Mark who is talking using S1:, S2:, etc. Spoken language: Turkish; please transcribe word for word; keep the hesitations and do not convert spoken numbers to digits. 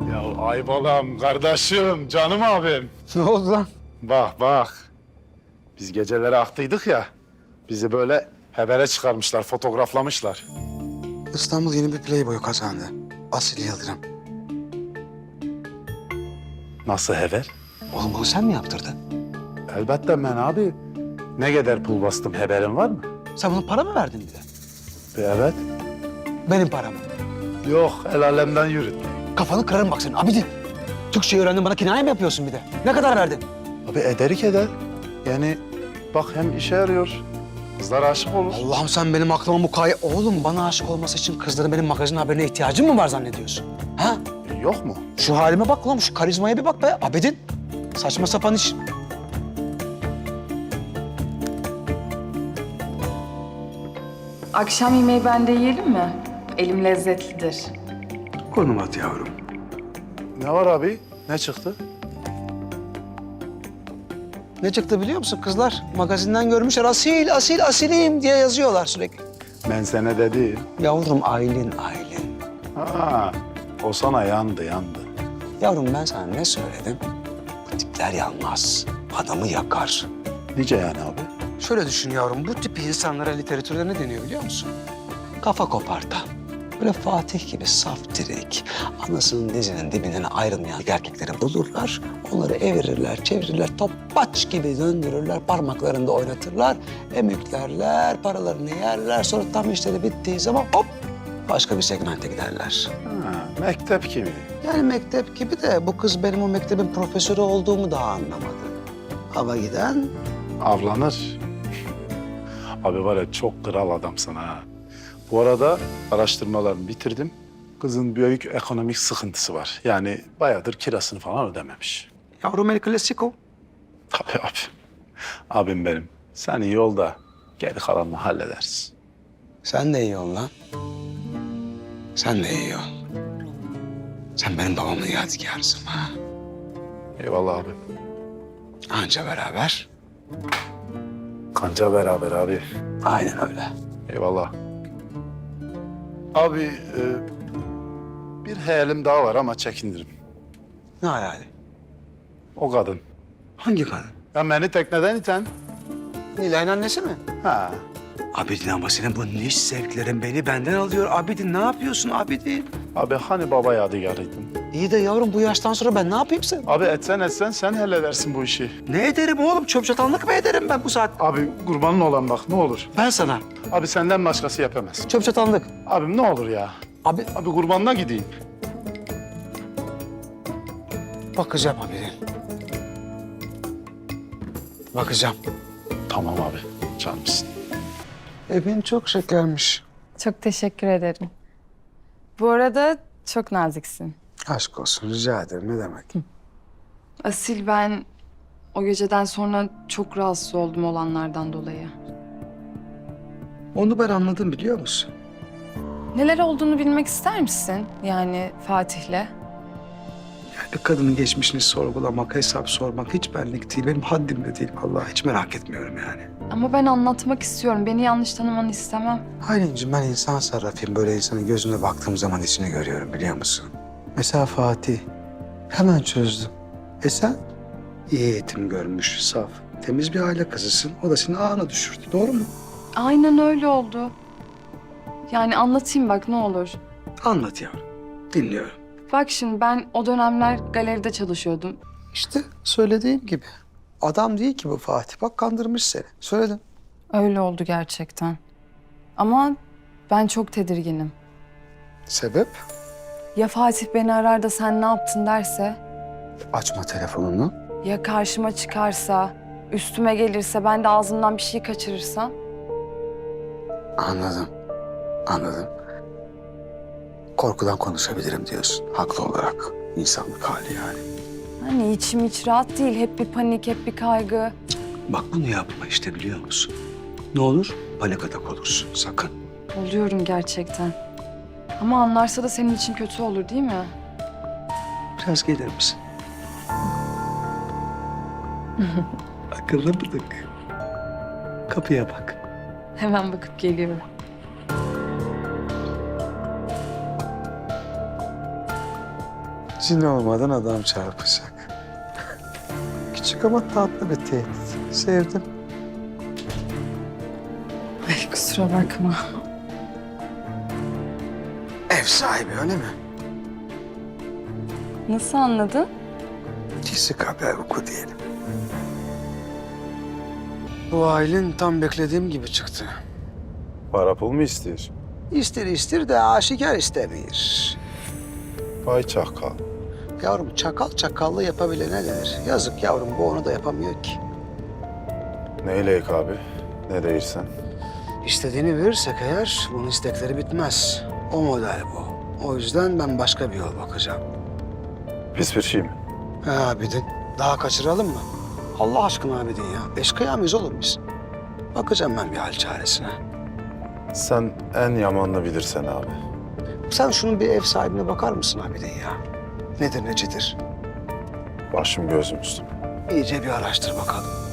S1: Ya Aybalam kardeşim, canım abim.
S2: Ne oldu lan?
S1: Bak bak. Biz geceleri aktıydık ya. Bizi böyle habere çıkarmışlar, fotoğraflamışlar.
S2: İstanbul yeni bir playboy kazandı. Asil Yıldırım.
S1: Nasıl haber?
S2: Oğlum bunu sen mi yaptırdın?
S1: Elbette ben abi. Ne kadar pul bastım haberin var mı?
S2: Sen buna para mı verdin bir de?
S1: Bir evet.
S2: Benim param.
S1: Yok, el alemden yürüt.
S2: Kafanı kırarım bak senin abidin. Türkçe öğrendin bana kinaye mi yapıyorsun bir de? Ne kadar verdin?
S1: Abi ederik eder. Yani bak hem işe yarıyor. Kızlar aşık olur.
S2: Allah'ım sen benim aklıma mukayyet... Oğlum bana aşık olması için kızların benim magazin haberine ihtiyacım mı var zannediyorsun? Ha?
S1: E, yok mu?
S2: Şu halime bak lan, şu karizmaya bir bak be abidin. Saçma sapan iş.
S3: Akşam yemeği bende yiyelim mi? Elim lezzetlidir.
S2: Konum at yavrum.
S1: Ne var abi? Ne çıktı?
S2: Ne çıktı biliyor musun kızlar? Magazinden görmüşler asil, asil, asilim diye yazıyorlar sürekli.
S1: Ben sana dedim.
S2: Yavrum Aylin, Aylin.
S1: Ha, o sana yandı, yandı.
S2: Yavrum ben sana ne söyledim? Bu tipler yanmaz. Adamı yakar.
S1: Nice yani abi?
S2: Şöyle düşün yavrum, bu tip insanlara literatürde ne deniyor biliyor musun? Kafa kopartan. Böyle Fatih gibi saf direk, anasının dizinin dibinden ayrılmayan erkekleri bulurlar. Onları evirirler, çevirirler, topaç gibi döndürürler, parmaklarında oynatırlar. Emüklerler, paralarını yerler. Sonra tam işleri bittiği zaman hop başka bir segmente giderler.
S1: Ha, mektep gibi.
S2: Yani mektep gibi de bu kız benim o mektebin profesörü olduğumu daha anlamadı. Hava giden
S1: Avlanır. Abi var ya çok kral adamsın ha. Bu arada araştırmalarımı bitirdim. Kızın büyük ekonomik sıkıntısı var. Yani bayağıdır kirasını falan ödememiş.
S2: yavrum el klasiko.
S1: Tabii abi. Abim benim. Sen iyi ol da geri kalanını hallederiz.
S2: Sen de iyi ol lan. Sen de iyi ol. Sen benim babamın yadigarısın ha.
S1: Eyvallah abi.
S2: Anca beraber.
S1: Kanca beraber abi.
S2: Aynen öyle.
S1: Eyvallah. Abi e, bir hayalim daha var ama çekinirim.
S2: Ne hayali?
S1: O kadın.
S2: Hangi kadın?
S1: Ya beni tekneden iten.
S2: Nilay'ın annesi mi?
S1: Ha.
S2: Abidin ama senin bu niş zevklerin beni benden alıyor. Abidin ne yapıyorsun Abidin?
S1: Abi hani baba yadigarıydın?
S2: İyi de yavrum bu yaştan sonra ben ne yapayım sen?
S1: Abi etsen etsen sen halledersin bu işi.
S2: Ne ederim oğlum? Çöp çatanlık mı ederim ben bu saat?
S1: Abi kurbanın olan bak ne olur.
S2: Ben sana.
S1: Abi senden başkası yapamaz.
S2: Çöp çatanlık.
S1: Abim ne olur ya.
S2: Abi
S1: Abi kurbanına gideyim.
S2: bakacağım Abidin. Bakacağım.
S1: Tamam abi canımsın.
S2: Evin çok şekermiş.
S3: Çok teşekkür ederim. Bu arada çok naziksin.
S2: Aşk olsun rica ederim ne demek.
S3: Asil, ben o geceden sonra çok rahatsız oldum olanlardan dolayı.
S2: Onu ben anladım biliyor musun?
S3: Neler olduğunu bilmek ister misin? Yani Fatih'le.
S2: Yani kadının geçmişini sorgulamak, hesap sormak hiç benlik değil. Benim haddim de değil. Vallahi hiç merak etmiyorum yani.
S3: Ama ben anlatmak istiyorum. Beni yanlış tanımanı istemem.
S2: Aylin'cim ben insan sarrafıyım. Böyle insanın gözüne baktığım zaman içini görüyorum biliyor musun? Mesela Fatih. Hemen çözdüm. E sen? İyi eğitim görmüş, saf, temiz bir aile kızısın. O da seni ağına düşürdü. Doğru mu?
S3: Aynen öyle oldu. Yani anlatayım bak ne olur.
S2: Anlat yavrum. Dinliyorum.
S3: Bak şimdi ben o dönemler galeride çalışıyordum.
S2: İşte söylediğim gibi. Adam değil ki bu Fatih. Bak kandırmış seni. Söyledim.
S3: Öyle oldu gerçekten. Ama ben çok tedirginim.
S2: Sebep?
S3: Ya Fatih beni arar da sen ne yaptın derse?
S2: Açma telefonunu.
S3: Ya karşıma çıkarsa, üstüme gelirse, ben de ağzımdan bir şey kaçırırsam?
S2: Anladım. Anladım. Korkudan konuşabilirim diyorsun. Haklı olarak. İnsanlık hali yani.
S3: Hani içim hiç rahat değil. Hep bir panik, hep bir kaygı.
S2: Bak bunu yapma işte biliyor musun? Ne olur? Panik atak olursun. Sakın.
S3: Oluyorum gerçekten. Ama anlarsa da senin için kötü olur değil mi?
S2: Biraz gelir misin? Akıllı mıdık? Kapıya bak.
S3: Hemen bakıp geliyorum.
S2: Cin olmadan adam çarpacak. Küçük ama tatlı bir tehdit. Sevdim.
S3: Ay kusura bakma.
S2: Ev sahibi öyle mi?
S3: Nasıl anladın?
S2: Kesik haber oku diyelim. Bu ailen tam beklediğim gibi çıktı.
S1: Para pul mu istiyorsun?
S2: İster ister de aşikar istemiyor.
S1: Vay çakal.
S2: Yavrum çakal çakallığı yapabilene denir. Yazık yavrum bu onu da yapamıyor ki.
S1: Neyleyik abi? Ne değilsen.
S2: İstediğini verirsek eğer bunun istekleri bitmez. O model bu. O yüzden ben başka bir yol bakacağım.
S1: Pis bir şey mi?
S2: He Abidin, daha kaçıralım mı? Allah aşkına Abidin ya. Eşkıya mıyız olur biz? Bakacağım ben bir hal çaresine.
S1: Sen en yamanını bilirsen abi.
S2: Sen şunun bir ev sahibine bakar mısın Abidin ya? Nedir necidir?
S1: Başım gözüm üstüm.
S2: İyice bir araştır bakalım.